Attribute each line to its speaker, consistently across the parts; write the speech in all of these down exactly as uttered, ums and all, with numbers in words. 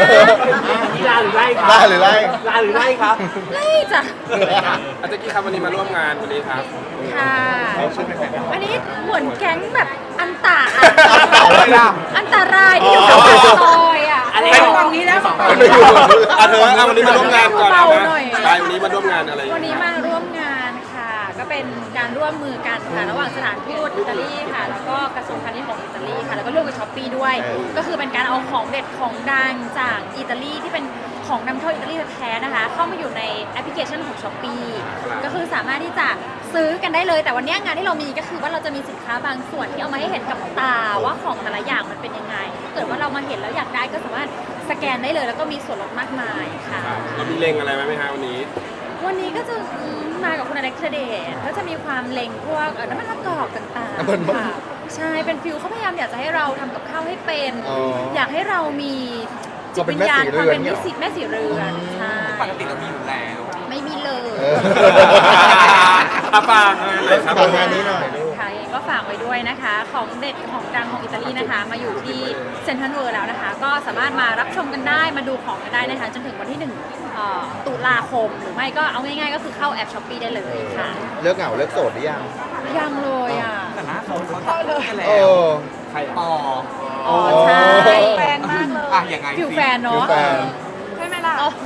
Speaker 1: นี่ลาหรือไล่ครับ
Speaker 2: ลาหรือไล่
Speaker 1: ลาหรือไล่ครับ
Speaker 3: ไล่จ้ะ
Speaker 4: อาจารย์กี้ครับวันนี้มาร่วมงานวันนี้ครับ
Speaker 3: ค่ะอันนี้เหมือนแก๊งแบบอันตา
Speaker 2: อะไรล่ะ
Speaker 3: อันตรายที่อยู่กับซอยอ่ะ
Speaker 1: อะไร
Speaker 3: เ
Speaker 1: ฝั่งนี้แล้วฝั่ง
Speaker 2: ไม่อยู่
Speaker 4: อ่ะเธอเอาวันนี้มาร่วมงานก่อน
Speaker 3: เบา
Speaker 4: นะ
Speaker 3: ๆหน่อย
Speaker 4: ใช่วันนี้มาร่วมงานอะไร
Speaker 3: วันนี้มาร่วมงานค่ะ ก็เป็นการร่วมมือกันค่ะระหว่างสถานทูตอิตาลีค่ะ แล้วก็กระทรวงพาณิชย์ของอิตาลีค่ะ แล้วก็ร่วมกับช้อปปี้ด้วย ก็คือเป็นการเอาของเด็ดของดังจากอิตาลีที่เป็นของนำเข้าอิตาลีแท้ๆนะคะ เข้ามาอยู่ในแอปพลิเคชันของช้อปปี้ก็คือสามารถที่จะซื้อกันได้เลย แต่วันนี้งานที่เรามีก็คือว่าเราจะมีสินค้าบางส่วนที่เอามาให้เห็นกับตาว่าของแต่ละอย่างมันเป็นยังไงถ้าเกิดว่าเรามาเห็นแล้วอยากได้ก็สามารถสแกนได้เลย แล้วก็มีส่วนลดมากมายค่ะ
Speaker 4: เรามีเลงอะไรไหมฮะวันนี้
Speaker 3: วันนี้ก็จะมากับคุณอเล็กซ์เดชก็จะมีความเล็งพวกเอ่อน้ำมันมะกอกต่าง
Speaker 2: น้ำมัน
Speaker 3: ๆ
Speaker 2: มะ
Speaker 3: ค่ะใช่เป็นฟิลเขาพยายามอยากจะให้เราทำกับข้าวให้เป็น
Speaker 2: อ๋อ
Speaker 3: อยากให้เรามีจิตวิญญาณความเป็นแม่สีแม่สีเรือนใช่
Speaker 4: ปกติเรามีอยู่แล้ว
Speaker 3: ไม่มีเลย
Speaker 2: เออ
Speaker 4: อาฟางอะไรครับ
Speaker 2: ฝากงานนี้หน่อยลูก
Speaker 3: ค่ะเองก็ฝากไว้ด้วยนะคะ ของเด็ดของดังของอิตาลีนะคะ มาอยู่ที่เซ็นทรัลเวิลด์แล้วนะคะ ก็สามารถมารับชมกันได้มาดูของกันได้นะคะจนถึงวันที่หนึ่งเอ่อตุลาคมหรือไม่ก็เอาง่ายๆ ก็คือเข้าแอปช้อปปี้ได้เลยค่ะ
Speaker 2: เลิกเหงาเลิกโสดหรือยัง
Speaker 3: ยังเลยอ่ะ
Speaker 4: แต่หน้าเขาเขาตัดกันแล้
Speaker 2: เอ
Speaker 4: ว
Speaker 2: อ
Speaker 4: ใคร
Speaker 1: อ๋อ
Speaker 3: อ๋อใช่
Speaker 5: แฟนมากเลย
Speaker 4: อ่ะยังไง
Speaker 3: ฟิวแฟน
Speaker 2: ฟิ
Speaker 3: เนาะ
Speaker 2: วแฟน
Speaker 5: ใช่ไหมล่ะ
Speaker 3: อ๋อ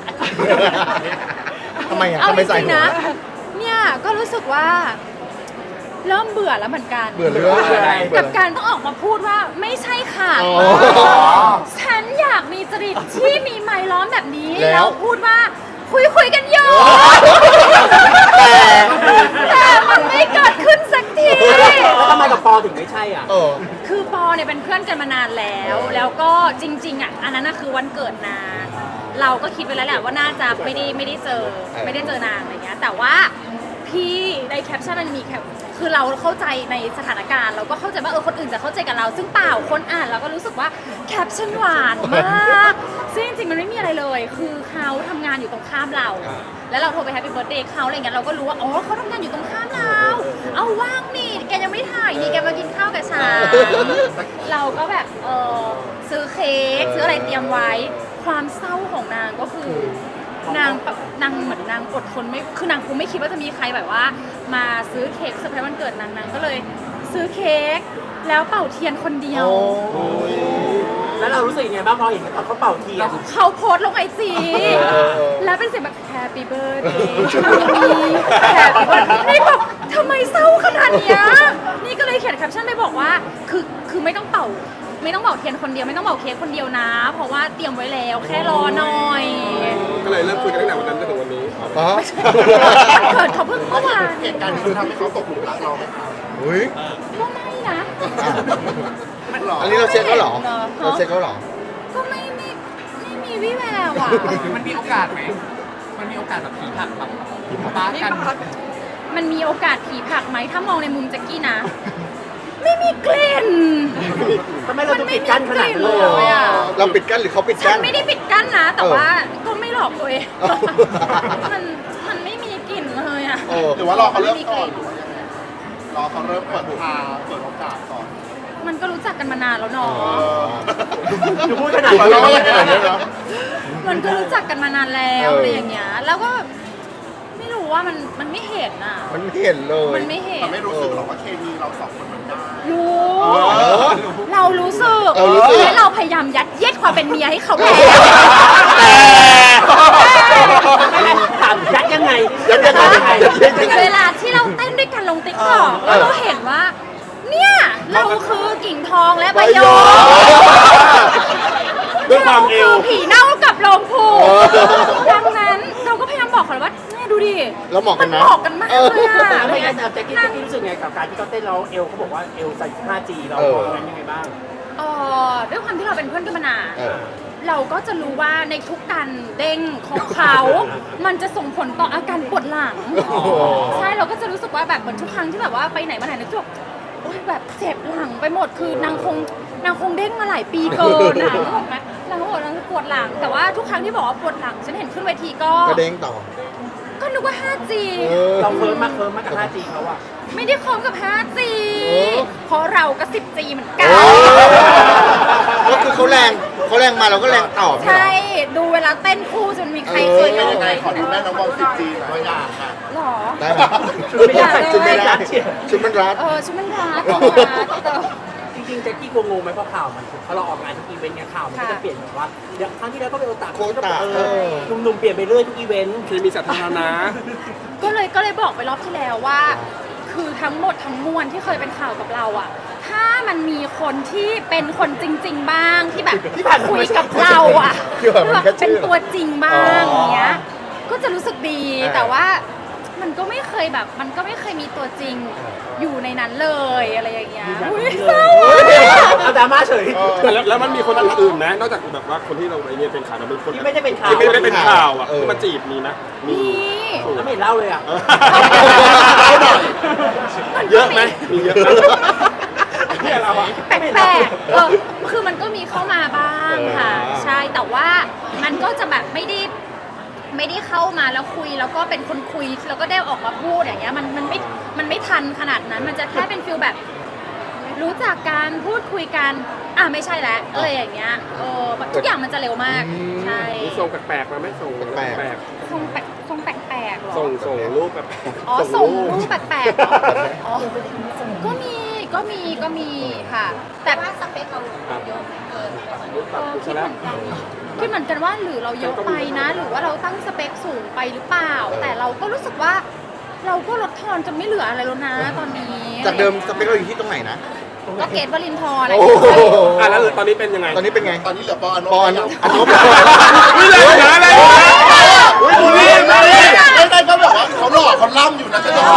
Speaker 2: ทำไมอ่ะ
Speaker 3: เอา
Speaker 2: ทำไม
Speaker 3: จ
Speaker 2: ใส่
Speaker 3: ริง
Speaker 2: หั
Speaker 3: ๆ
Speaker 2: ว
Speaker 3: นะ เนี่ยก็รู้สึกว่า เริ่มเบื่อแล้วเหมือนกัน
Speaker 2: เบื่อเรื่องอะไร
Speaker 3: กับการต้องออกมาพูดว่าไม่ใช่ค่ะ
Speaker 2: อ๋อ
Speaker 3: ฉันอยากมีจริตที่มีไมค์ล้อมแบบนี้
Speaker 2: แล้ว
Speaker 3: แล้วพูดว่าคุยคุยๆกันอยู่
Speaker 2: แต่
Speaker 3: แต่มันไม่เกิดขึ้นสักที
Speaker 1: แล้วทำไมกับปอถึงไม่ใช่อ่ะ
Speaker 2: เออ
Speaker 3: คือปอเนี่ยเป็นเพื่อนกันมานานแล้ว แล้วก็จริงๆอ่ะอันนั้นน่ะคือวันเกิดนางเราก็คิดไว้แล้วแหละว่าน่าจะไม่ได้ไม่ได้เจอไม่ได้เจอนางอะไรเงี้ยแต่ว่าพี่ในแคปชั่นมันมีแคปคือเราเข้าใจในสถานการณ์เราก็เข้าใจว่าเออคนอื่นจะเข้าใจกับเรา ซึ่งเปล่าคนอ่านเราก็รู้สึกว่าแคปชั่นหวานมากซึ่งจริงๆมันไม่มีอะไรเลย คือเขาทำงานอยู่ตรงข้ามเรา แล้วเราโทรไปแฮปปี้เบิร์ดเดย์เขาอะไรเงี้ยเราก็รู้ว่าอ๋อเขาทำงานอยู่ตรงข้ามเรา เอาว่างนี่แกยังไม่ถ่ายนี่แกมากินข้าวกับฉันเราก็แบบเออซื้อเค้กซื้ออะไรเตรียมไว้ ความเศร้าของนางก็คือนางแบบนางเหมือนนางอดทนไม่คือนางคงไม่คิดว่าจะมีใครแบบว่า มาซื้อเค้กเซอร์ไพรส์วันเกิดนางนางก็เลยซื้อเค้กแล้วเป่าเทียนคนเดียว
Speaker 2: โอ้ย
Speaker 1: แล้วเรารู้สึกยังไงบ้างพอเห็นเขาเป่าเทียน
Speaker 3: เขาโพสต์ลงไอจี
Speaker 2: เออเออ
Speaker 3: แล้วเป็นเสียงแบบ Happy Birthday to me Happy Birthday นี่แบบทำไมเศร้าขนาดเนี้ยนี่ก็เลยเขียนแคปชั่นไปบอกว่าคือคือไม่ต้องเป่า ไม่ต้องเป่าเทียนคนเดียวไม่ต้องเป่าเค้กคนเดียวนะ เพราะว่าเตรียมไว้แล้วแค่รอหน่อย
Speaker 4: ก็เลยเริ่มคุยกันตั้งแต่วันนั้นจนถึงวันนี้
Speaker 2: อ๋อ
Speaker 3: เกิดเขาเพิ่งเมื่อวาน
Speaker 2: เหตุการณ์นี้ทำให้เขาตกหลุมรักเราไหมครับอุ้ย
Speaker 3: ก็ไม่นะ
Speaker 2: อันนี้เราเช็คแล้วเหรอ
Speaker 3: เหรอ
Speaker 2: เราเช็คแล้วเหรอ
Speaker 3: ก็ไม่ไม่ไม่มีวิแววอ่ะ
Speaker 4: มันมีโอกาสไหมมันมีโอกาสแบบผีผักแบบป้ากัน
Speaker 3: มันมีโอกาสผีผลักไหมถ้ามองในมุมแจ็กกี้นะ ไม่มีกลิ่น
Speaker 1: ทำไมเราต้องปิดกั้นขนาดนั้นเลย
Speaker 3: มันไม่มีกลิ่นเลยอะ
Speaker 2: เราปิดกั้นหรือเขาปิด
Speaker 3: ฉั
Speaker 2: กั้
Speaker 3: น
Speaker 2: น
Speaker 3: ไม่ได้ปิดกั้นนะ แต่
Speaker 2: เออ
Speaker 3: ว่าก็ไม่หลอกตัวเอง
Speaker 2: เออ
Speaker 3: มันมันไม่มีกลิ่นเลยอ่ะ
Speaker 2: เออ
Speaker 6: หรือว่ารอเขาเริ่มก่อน
Speaker 3: ไ
Speaker 6: หรือว่ายังไงรอเขาเริ่มเปิดทางเปิดโอกาสก่อน
Speaker 3: มันก็รู้จักกันมานานแล้วเนาะ
Speaker 1: อยู่พูดขนาด
Speaker 6: เรา
Speaker 1: นี้
Speaker 6: ก็ไม่ขนาดนี้เนาะ
Speaker 3: มันก็รู้จักกันมานานแล้ว
Speaker 2: เอออ
Speaker 3: อะไรอย่างเงี้ย แล้วก็ไม่รู้ว่ามันมันไม่เห็นอ่ะ
Speaker 2: มันเห็นเลย
Speaker 3: มันไม่เห็น
Speaker 6: มันไม่รู้สึกหรอกว่าเคมีเราสองคนมันได้
Speaker 3: รู้
Speaker 2: เออ
Speaker 3: เรารู้สึก
Speaker 2: เออรู้สึก
Speaker 3: และเราพยายามยัดเยียดความเป็นเมียให้เขาแล้ว
Speaker 1: ถามยัดยังไง
Speaker 2: ยัดยังไงยัดยังไง
Speaker 3: เวลาที่เราเต้นด้วยกันลงติ๊กต็อกแล้วเราเห็นว่า เนี่ย เราคือกิ่งทองและใบยอ
Speaker 4: ด้วยความเอว
Speaker 3: รผีเน่ากับโลงผูดังนั้นเราก็พยายามบอกเขาเลยว่าเนี่ยดูดิ
Speaker 2: แล้วเหมาะกันนะ
Speaker 3: เหมาะกันมากเลยอะ
Speaker 1: แล้วไม่งั้นแจ็คกี้แจ็คกี้รู้สึกไงกับการที่เขาเต้นเราเอลเขาบอกว่าเอลใส่ ห้าจี เรา
Speaker 2: เออ
Speaker 1: มองกันยังไงบ้าง
Speaker 3: เอ่อด้วยความที่เราเป็นเพื่อนกันมานาน
Speaker 2: เออ
Speaker 3: เราก็จะรู้ว่าในทุกการเด้งของเขา มันจะส่งผลต่ออาการปวดหลัง
Speaker 2: โอ้โห
Speaker 3: ใช่เราก็จะรู้สึกว่าแบบเหมือนทุกครั้งที่แบบว่าไปไหนมาไหนนึกว่าโอ๊ยแบบเจ็บหลังไปหมดคือนางคงนางคงเด้งมาหลายปีเกินนะนึกออกไหมนางก็บอกนางปวดหลัง แต่ว่าทุกครั้งที่บอกว่าปวดหลังฉันเห็นขึ้นเวทีก็
Speaker 2: ก็เด้งต่อ
Speaker 3: ก็นึกว่า ห้าจี
Speaker 2: เออ
Speaker 1: เราเพิ่มมากเพิ่มมากกับ ห้าจี เขาอะ
Speaker 3: ไม่ได้คอมกับ ห้าจี
Speaker 2: เออ
Speaker 3: เพราะเราก็ สิบจี เหมือนกัน
Speaker 2: ก็คือเขาแรงเขาแรงมาเราก็แรงตอบ
Speaker 3: ใช่ ดูเวลาเต้นคู่จนมีใครเคย
Speaker 2: เอ
Speaker 3: ล
Speaker 2: อ
Speaker 3: อง
Speaker 6: ยัง
Speaker 3: ไห
Speaker 6: ไง
Speaker 3: ม
Speaker 6: ขอดูแม่น้องบอลสิบจีตัวอย่างค่ะ
Speaker 3: หรอ
Speaker 2: ได้ไหมชุดไม่ได้ชุดไม่ได้ชุดมันรัด
Speaker 3: เออชุดมันรัดรัด
Speaker 1: จริงๆแจ็คกี้กลัวงงไหมเพราะข่าวมันพอเราออกงานทุกอีเวนต์ไงข่าวมันก็จะเปลี่ยนแบบว่าเดี๋ยวครั้งที่แล้วก็เป็นโอตา
Speaker 2: โควต้า
Speaker 1: เอ
Speaker 2: เอ
Speaker 1: อ
Speaker 2: อ
Speaker 1: หนุ่มๆเปลี่ยนไปเรื่อยทุกอีเวนต์
Speaker 7: เคมีสาธารณะ
Speaker 3: ก็เลยก็เลยบอกไปรอบที่แล้วว่า คือทั้งหมดทั้งมวลที่เคยเป็นข่าวกับเราอะถ้ามันมีคนที่เป็นคนจริง ๆ บ้างที่แบบคุยกับเราอะ
Speaker 2: คือแบบมันแค่ชื่
Speaker 3: เป็น
Speaker 2: อ
Speaker 3: ตัวจริงบ้าง
Speaker 2: อ๋อ
Speaker 3: อย่างเงี้ยก็จะรู้สึกดี
Speaker 2: เออ
Speaker 3: แต่ว่ามันก็ไม่เคยแบบ มันก็ไม่เคยมีตัวจริงอยู่ในนั้นเลยอะไรอย่างเงี้ยอุ้ยเศร้าอะ
Speaker 1: เอาดราม่าเฉย
Speaker 7: แต่แล้วแล้วมันมีคนอื่นๆนะ นอกจากแบบว่าคนที่เราไปเนี่ยเป็นข่าวนะเป็นคน
Speaker 1: ที่ไม่ได้เป็นข่าว
Speaker 7: ที่ไม่ได้เป็นข่าวอ่ะ
Speaker 2: เออ
Speaker 7: ที่มาจีบมีนะมี
Speaker 3: มี
Speaker 1: แล้วไม่เห็นเล่าเลยอ่ะ
Speaker 7: เยอะไหมมีเยอะไหมเนี่ยเราอะ
Speaker 3: แปลกๆเออคือมันก็มีเข้ามาบ้างค่ะ
Speaker 2: เออ
Speaker 3: ใช่ แต่ว่ามันก็จะแบบไม่ได้ไม่ได้เข้ามาแล้วคุยแล้วก็เป็นคนคุยแล้วก็ได้ออกมาพูดอย่างเงี้ยมันมันไม่มันไม่ทันขนาดนั้น มันจะแค่เป็นฟิลแบบ รู้จักการพูดคุยกันอ่ะไม่ใช่แล้วอะไรอย่างเงี้ยเออทุกอย่างมันจะเร็วมาก
Speaker 2: อืม
Speaker 3: ใช่
Speaker 7: มีส่งแปลกๆมาไหมส่ง
Speaker 2: แปลกๆ
Speaker 7: แปลก
Speaker 3: ทรงแปลกทรงแปลกๆเหรอ
Speaker 7: ๆส่งส่งรูปแปลกๆ
Speaker 3: อ๋อส่งรูปแปลกๆเหรออ๋อก็มีก็มีก็มีค่ะ แต่ว่าสเปคเรา
Speaker 7: ครับ
Speaker 3: เยอะเกิน
Speaker 7: รูปตัดกูซะแล้ว
Speaker 3: คิดเหมือนกันว่าหรือเราเยอะไปนะ หรือว่าเราตั้งสเปคสูงไปหรือเปล่า แต่เราก็รู้สึกว่า เราก็ลดทอนจนไม่เหลืออะไรแล้วนะตอนนี้
Speaker 2: จากเดิมสเปคเราอยู่ที่ตรงไหนนะ
Speaker 3: ก็เกตวลินทร์
Speaker 2: โอ้โห
Speaker 7: อ่ะแล้วตอนนี้เป็นยังไง
Speaker 2: ตอนนี้เป็นไง
Speaker 6: ตอนนี้เหลือปออนุ
Speaker 2: ปอน
Speaker 6: แล้ว
Speaker 2: อันนบ
Speaker 7: นี่เลยนะอะไรนะอุ้ยดูนี่มาดิ
Speaker 6: ไม่ได้ก็แบบว่าเขาหล่อเขาล่ำอยู่นะจะต้อง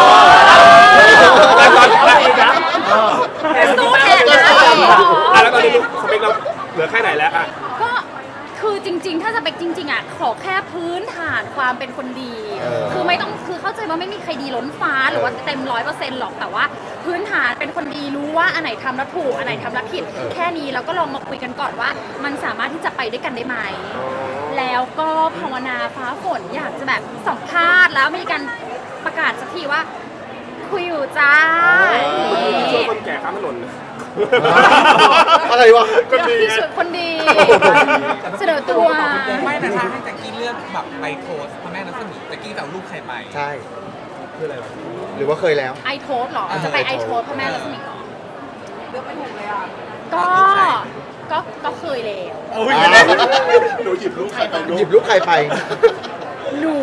Speaker 7: แล้วตอนแล้ว
Speaker 3: สู้แทนนะ
Speaker 7: อ่ะแล้วตอนนี้สเปคเราเหลือแค่ไหนแล้วอ่ะ
Speaker 3: ก็คือจริง ๆ ถ้าสเปคจริง ๆอ่ะขอแค่พื้นฐานความเป็นคนดี
Speaker 2: เออ
Speaker 3: คือไม่ต้องคือเข้าใจว่าไม่มีใครดีล้นฟ้าหรือว่าเต็มร้อยเปอร์เซ็นต์หรอกแต่ว่า พื้นฐานเป็นคนดีรู้ว่าอันไหนทำแล้วถูกอันไหนทำแล้วผิด แค่นี้แล้วก็ลองมาคุยกันก่อนว่า มันสามารถที่จะไปด้วยกันได้ไหมแล้วก็ภาวนาฟ้าฝนอยากจะแบบสัมภาษณ์แล้วมีการประกาศสักทีว่า คุยอยู่จ้า
Speaker 7: ช่วยคนแก่ข้ามถนน
Speaker 2: อะไรวะ
Speaker 7: ก็ดี
Speaker 3: พี่
Speaker 7: ไง
Speaker 3: ช่วยคนดี เสนอตัว
Speaker 4: ไม่แต่ถ้าให้แจ็คกี้เลือกแบบไปโพสพระแม่รัศมีแจ็คกี้จะเอารูปใครไป
Speaker 2: ใช่
Speaker 7: คืออะไรวะ
Speaker 2: หรือว่าเคยแล้ว
Speaker 3: ไอโทสหรอ จะไปไอโทสพ่อแม่รัศมีหรอ
Speaker 5: เลือกไม่ถูกเลยอ่ะ
Speaker 3: ก็ ก็ก็เคยแล้ว
Speaker 6: โอ้ยหนูหยิบลูกใครไปลู
Speaker 2: หยิ
Speaker 6: ก
Speaker 2: บลูกใครไป
Speaker 3: หนู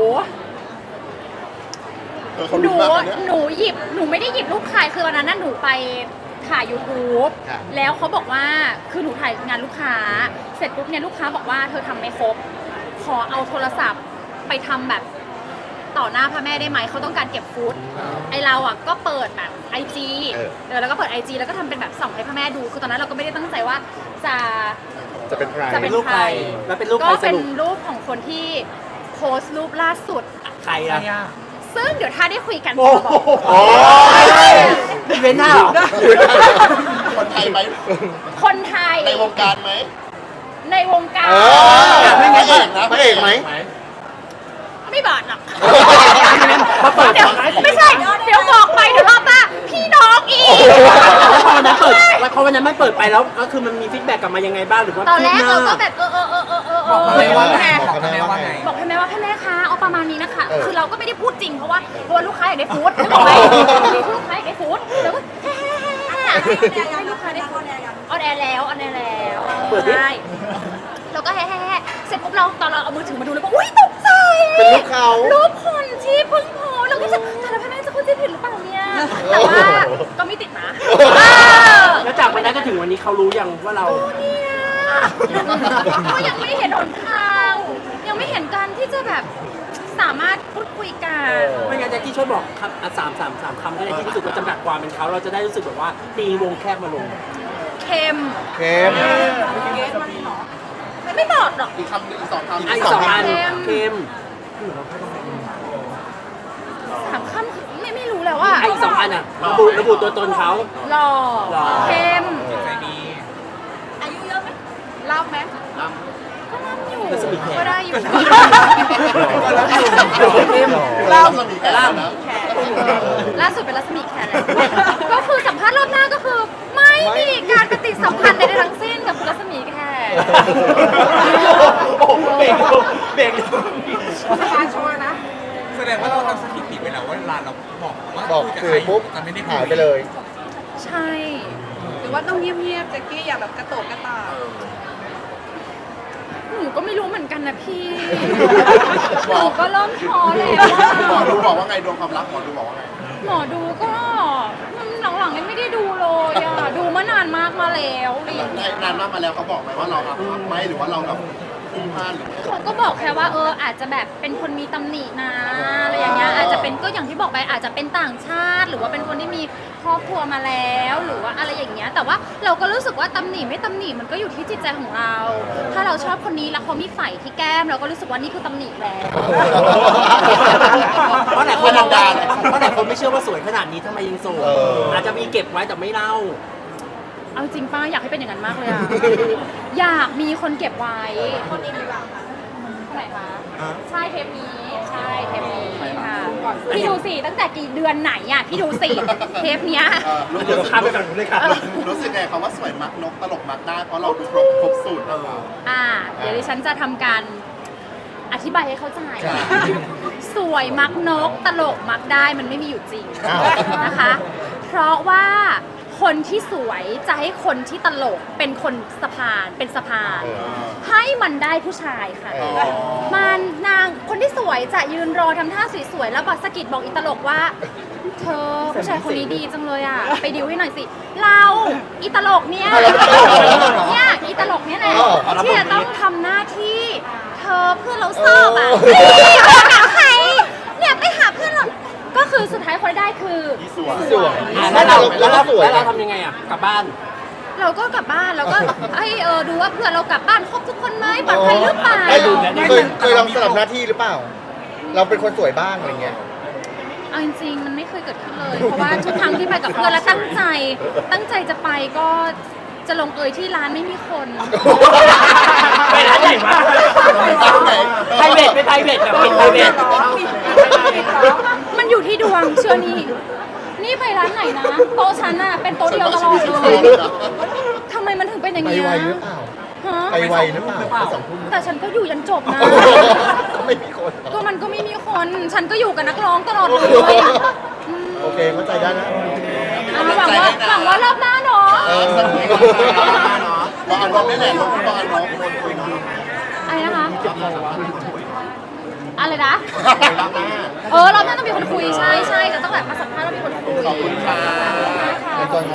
Speaker 6: เออเขา
Speaker 3: หนู
Speaker 6: ลุ้นมากนะเนี่ย
Speaker 3: หนูหยิบ หนูไม่ได้หยิบรูปใครคือวันนั้นน่ะหนูไปถ่าย YouTube
Speaker 2: ครับ
Speaker 3: แล้วเขาบอกว่า คือหนูถ่ายงานลูกค้า เสร็จปุ๊บเนี่ยลูกค้าบอกว่าเธอทำไม่ครบ ขอเอาโทรศัพท์ไปทำแบบต่อหน้าพระแม่ได้ไหม เขาต้องการเก็บฟุต ไอเราอ่ะก็เปิดแบบไอจี
Speaker 2: เออ
Speaker 3: เออแล้วก็เปิดไอจีแล้วก็ทำเป็นแบบส่องให้พระแม่ดู คือตอนนั้นเราก็ไม่ได้ตั้งใจว่าจะ
Speaker 2: จะเป็นใคร
Speaker 3: จะ
Speaker 1: เป็นรูปใครแล้วเป็นรูปใค
Speaker 3: ก็
Speaker 1: รส
Speaker 3: เป็น
Speaker 1: รุป
Speaker 3: รูปของคนที่โพสต์รูปล่าสุด
Speaker 1: ใครอ่ะ
Speaker 3: ซึ่งเดี๋ยวถ้าได้คุยกัน
Speaker 1: โอ้
Speaker 3: จะ
Speaker 1: โห
Speaker 3: บอก
Speaker 2: โอ้ย
Speaker 1: อีเวนต์หน้าเหรอ
Speaker 6: คนไทยไหม
Speaker 3: คนไทย
Speaker 6: ในวงการไหม
Speaker 3: ในวงการ
Speaker 2: เออ
Speaker 6: พระเอกนะ
Speaker 2: พระเอกไหม
Speaker 3: ไม่บอดหรอก
Speaker 1: มาเปิด
Speaker 3: เดี๋ยวไม่ใช่ เดี๋ยวบอกไปเดี๋ยวรอบหน้าพี่น้องอีก
Speaker 1: แล้วพอวันนั้นเปิดแล้วพอวันนั้นไม่เปิดไปแล้วก็คือมันมีฟีดแบ็กกลับมายังไงบ้างหรือว่า
Speaker 3: ตอนแรก
Speaker 1: คืบห
Speaker 3: เรา
Speaker 1: น้
Speaker 3: ก็แบบเออเออเออเออเออเอ
Speaker 4: บอก
Speaker 3: อ
Speaker 4: พระแม่ว่าไง
Speaker 3: ไง
Speaker 4: บอกพระแม่ว่าไง
Speaker 3: บอกให้แม่ว่าให้แม่คะเอาประมาณนี้นะคะ
Speaker 2: เออ
Speaker 3: คือเราก็ไม่ได้พูดจริงเพราะว่าเพราะว่าลูกค้าอยากได้ฟู้ดนึกออกไหมลูกค้าอยากได้ฟู้ดแล้วก็แฮ่ให้ลูกค้าได้ฟู้ดออนแอร์แล้วออนแอร์แล้วใช่แล้วก็แฮ่เสร็จปุ๊บเราตอนเราเอามือถือมาดูแล้วก็อุ้ยตกใจ
Speaker 2: เป็นลูกเขา
Speaker 3: รูปคนที่เพิ่งโพสต์เราก็จะแต่ละพนักงานจะเข้าใจผิดหรือเปล่าเนี่ยแต่ว่าก็ไม่ติดนะเออ
Speaker 1: แล้วจากวันนั้นก็ถึงวันนี้เขารู้ยังว่าเรา
Speaker 3: เนี่ยก็ยังไม่เห็นหนทางยังไม่เห็นการที่จะแบบสามารถพูดคุยกัน
Speaker 1: ไม่งั้นแจ็คกี้ช่วยบอกครับอ่ะสามสามสามคำก็ได้ที่รู้สึกว่าจำกัดความเป็นเขาเราจะได้รู้สึกแบบว่าตีวงแคบมาลง
Speaker 3: เค็ม
Speaker 2: เข้ม
Speaker 3: ไม่บอกหรอก
Speaker 6: อีกคำหนึ่งอีกสองคำ
Speaker 1: อ่ะอีกสองอัน
Speaker 3: เค็ม
Speaker 1: เค็ม
Speaker 3: ถามคำไม่ไม่รู้แล้วว่า
Speaker 1: อ่ะอีกสองอันอ่ะระบุระบุตัวตนเขา
Speaker 3: หล่อ
Speaker 1: หล่อ
Speaker 3: เค็ม
Speaker 4: ใจดี
Speaker 3: อายุเยอะไหมเล่าไหมก็เล่าอยู่
Speaker 1: รัศมีแข
Speaker 3: ก็ได้อยู่
Speaker 1: เข้ม
Speaker 6: เล่าจะมีแค่นั้นนะ
Speaker 3: ล่าสุดเป็นรัศมีแขนเลยก็คือสัมภาษณ์รอบหน้าก็คือ ไม่มีการปฏิสัมพันธ์ใดๆทั้งสิ้นกับคุณรัศมีแขน
Speaker 1: โอ้โหเบรกดูเบรกดู
Speaker 5: การโชว์นะ
Speaker 4: แสดงว่าเราทำสถิติไปแล้วว่าเวลาเราบอกว่า
Speaker 2: บอก
Speaker 4: คุยกับใคร
Speaker 2: สื่อปุ๊บ
Speaker 4: จะไม่ได้คุ
Speaker 2: หายไปเลย
Speaker 3: ใช่
Speaker 5: หรือว่าต้องเงียบๆแจ็คกี้อย่าแบบกระโตกกระตาก
Speaker 3: หนูก็ไม่รู้เหมือนกันนะพี่
Speaker 6: บ
Speaker 3: ห
Speaker 6: อก
Speaker 3: นูก็เริ่มท้อแล้ว
Speaker 6: หมอ
Speaker 3: อะ
Speaker 6: ดูบอกว่าไงดวงความรักหมอดูบอกว่าไง
Speaker 3: หมอดูก็มันหลังๆยังไม่ได้ดูเลยอะดูมานานมากมาแล้วอะไรอย่าง
Speaker 6: ใน
Speaker 3: เงี้ย
Speaker 6: นานมากมาแล้วเขาบอกไหมว่าเราอับอับไหมหรือว่าเราแบบพุ่งพลาดหรือไง
Speaker 3: เขาก็บอกแค่ว่าเอออาจจะแบบเป็นคนมีตำหนินะอะไรอย่างเงี้ยอาจจะเป็นก็อย่างที่บอกไปอาจจะเป็นต่างชาติ หรือว่าเป็นคนที่มีครอบครัวมาแล้วหรือว่าอะไรอย่างเงี้ยแต่ว่าเราก็รู้สึกว่าตำหนิไม่ตำหนิมันก็อยู่ที่จิตใจของเรา ถ้าเราชอบคนนี้แล้วเขามีไฝที่แก้มเราก็รู้สึกว่านี่คือตำหนิแล้ว
Speaker 1: เพราะหลายคนมองว่าเพราะหลายคนไม่เชื่อว่าสวยขนาดนี้ทำไมยังโสด
Speaker 2: เออ
Speaker 1: อาจจะมีเก็บไว้แต่ไม่เล่า
Speaker 3: เอาจริงป้าอยากให้เป็นอย่างนั้นมากเลยอะ อยากมีคนเก็บไว้คนนี้หรือเปล่าคะคนไหนคะใช่เทปนี้ใช่เทปนี้ค่ะพี่ดูสิตั้งแต่กี่เดือนไหนอะพี่ดูสิเทปเนี้ย
Speaker 6: เออรู้
Speaker 1: เดี๋ยวเรา
Speaker 6: สึก
Speaker 1: ข้ามไปฝั่งนู้นเลยค่ะ
Speaker 6: รู้สึกไงคำว่าสวยมักนกตลกมักได้เพราะเราดูครบครบสูตรเออ
Speaker 3: อ่าเดี๋ยวดิฉันจะทำการอธิบายให้เข้าใจ
Speaker 2: ครับ
Speaker 3: สวยมักนกตลกมักได้มันไม่มีอยู่จริง
Speaker 2: อ้าว
Speaker 3: นะคะ เพราะว่าคนที่สวยจะให้คนที่ตลกเป็นคนสะพานเป็นสะพาน
Speaker 2: เออ
Speaker 3: ให้มันได้ผู้ชายค่ะ
Speaker 2: เออ
Speaker 3: มันนางคนที่สวยจะยืนรอทำท่าสวยๆแล้วบอกสะกิดบอกอีตลกว่า เธอผู้ชายคนนี้ดีจังเลยอ่ะ ไปดิวให้หน่อยสิ เราอีตลกเนี่ย
Speaker 2: เอาแล้วตลกเหรอ
Speaker 3: เนี่ยอีตลกเนี่ยแหละ
Speaker 2: เออ
Speaker 3: ที่จะต้องทำหน้าที่ เธอเพื่อนเราชอบอ่ะ
Speaker 2: เออ
Speaker 3: นี่ไปหาใครเนี่ยไปหาเพื่อนเราก็คือสุดท้ายคนได้คือ
Speaker 6: ที่สวย
Speaker 2: สวย
Speaker 1: อ่ะแล้วเรา
Speaker 2: แล้
Speaker 1: แล้ว ว
Speaker 2: เรา
Speaker 1: เรา
Speaker 2: สวย
Speaker 1: แล้วเรา
Speaker 2: นะ
Speaker 1: ทำยังไงอ่ะกลับบ้าน
Speaker 3: เราก็กลับบ้านเราก็ ให้เออดูว่าเพื่อนเรากลับบ้านครบทุกคนไหมปลอดภัยหรือเปล่า
Speaker 2: ได้ดูเคยเคยลองสลับหน้าที่หรือเปล่า เราเป็นคนสวยบ้างอะไรเงี้ย
Speaker 3: เอาจริงๆมันไม่เคยเกิดขึ้นเลย เพราะว่าทุกครั้งที่ไปกับเพื่อนแล้วตั้งใจ ตั้งใจจะไปก็จะลงเอยที่ร้านไม่มีคน
Speaker 1: ไปร้านใหญ่มากไพรเวทไปไพรเวทแบบเป็นไพรเวท
Speaker 3: มันอยู่ที่ดวงเชื่อนี่ นี่ไปร้านไหนนะโต๊ะฉันอะเป็นโต๊ะเดียวตลอดเลยทำไมมันถึงเป็นอย่าง
Speaker 2: ไป
Speaker 3: นี้ย
Speaker 2: ไวหรือเปล่า
Speaker 3: ฮะ
Speaker 2: ไปไวหรือเปล่าไปสองทุ่ม
Speaker 3: แต่ฉันก็อยู่ยันจบนะ
Speaker 2: ก็ไม่มีคนเหร
Speaker 3: ก็
Speaker 2: อ
Speaker 3: มันก็ไม่มีคน ฉันก็อยู่กับนักร้องตลอดเลย
Speaker 2: โอเคเข้าใจได้นะ
Speaker 3: อ่ะหวังว่าหวังว่ารอบหน้าเนาะ
Speaker 2: เออ
Speaker 6: บอกอันนกได้แหละบอกอันนกคนคุยเนาะ
Speaker 3: อะไรนะคะ อะไรนะ
Speaker 6: รับหน้า
Speaker 3: เออรอบหน้าต้องมีคนคุยใช่ใช่จะต้องแบบมาสัมภาษณ์แล้วมีคนคุย
Speaker 6: ขอบคุณค่ะ
Speaker 3: ค่ะ
Speaker 2: เป็นตัว